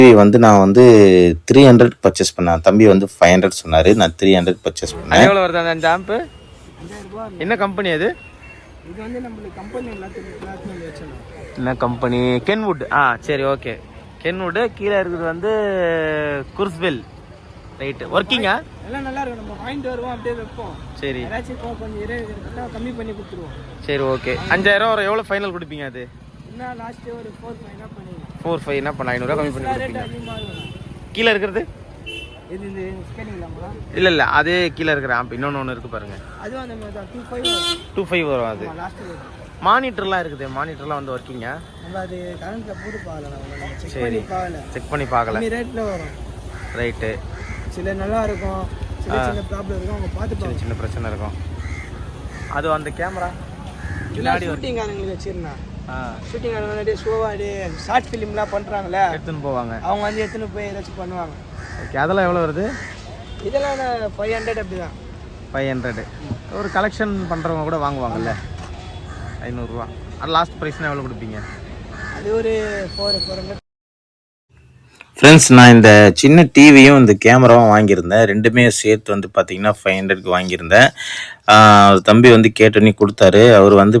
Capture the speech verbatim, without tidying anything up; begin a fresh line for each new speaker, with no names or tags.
TV வந்து நான் வந்து த்ரீ ஹண்ட்ரட் பர்ச்சேஸ் பண்ணேன். தம்பி வந்து ஃபைவ் ஹண்ட்ரட் சொன்னார். நான் த்ரீ ஹண்ட்ரட் பர்ச்சேஸ் பண்ணேன்.
எவ்வளோ வருது அந்த ஆம்பு? என்ன கம்பெனி அது?
இது வந்து நம்மளுக்கு கம்பெனி எல்லாத்தையும் வச்சிடலாம்.
என்ன கம்பெனி? கென்வுட். ஆ சரி, ஓகே. கென்வுட். கீழே இருக்குது வந்து குர்ஸ்வெல். ரைட்டு. ஒர்க்கிங்கா?
எல்லாம் நல்லா இருக்கும். நம்ம வாங்கிட்டு வருவோம், அப்படியே வைப்போம். சரி, ஏதாச்சும் கொஞ்சம் இருபது கம்மி பண்ணி கொடுத்துருவோம்.
சரி, ஓகே. அஞ்சாயிரம் வரும். எவ்வளோ ஃபைனல் கொடுப்பீங்க அது?
என்ன லாஸ்ட் ஒரு ஃபோர் ஃபைவ் என்ன பண்ணுவீங்க?
ஃபோர் ஃபைவ் என்ன பண்ண ஐநூறுரூவா கம்மி பண்ணி கொடுப்பீங்க. கீழே இருக்கிறது
இது இந்த ஸ்கேனிங்லாமா?
இல்லை இல்லை, அதே கீழே இருக்கிற ஆம்ப் இன்னொன்று ஒன்று இருக்குது பாருங்க.
அதுவும் அந்த மாதிரி தான். டூ ஃபைவ்
டூ ஃபைவ் வரும். அது
லாஸ்ட்
மானிட்டர்லாம் இருக்குது. மானிட்டர்லாம் வந்து ஒர்க்கிங்க.
நம்ம அது கரண்ட்டில் போட்டு பார்க்கலாம்.
சரி, செக் பண்ணி பார்க்கல.
ரேட்டில் வரும்.
ரைட்டு.
சில நல்லா இருக்கும், சில சின்ன ப்ராப்ளம் இருக்கும். அவங்க பார்த்து
சின்ன சின்ன பிரச்சனை இருக்கும். அது அந்த கேமரா
பின்னாடி ஷூட்டிங் ஆளுங்களுக்கு வச்சிருந்தேன். ஷூட்டிங் ஆளுங்க நிறைய ஷோவாடு ஷார்ட் ஃபிலிம்லாம் பண்ணுறாங்களே,
எடுத்துன்னு போவாங்க.
அவங்க வந்து எடுத்துன்னு போய் ஏதாச்சும் பண்ணுவாங்க.
ஓகே. அதெல்லாம் எவ்வளோ வருது?
இதெல்லாம் நான் ஃபைவ் ஹண்ட்ரட் அப்படி தான்.
Five hundred. ஒரு கலெக்ஷன் பண்ணுறவங்க கூட வாங்குவாங்கல்ல, ஐநூறுரூவா. அது லாஸ்ட் ப்ரைஸ்னால் எவ்வளோ கொடுப்பீங்க?
அது ஒரு ஃபோர் ஃபோர் ஹண்ட்ரட்.
ஃப்ரெண்ட்ஸ், நான் இந்த சின்ன டிவியும் இந்த கேமராவும் வாங்கியிருந்தேன். ரெண்டுமே சேர்த்து வந்து பார்த்தீங்கன்னா ஃபைவ் ஹண்ட்ரட்க்கு வாங்கியிருந்தேன். தம்பி வந்து கேட்டோன்னே கொடுத்தாரு. அவர் வந்து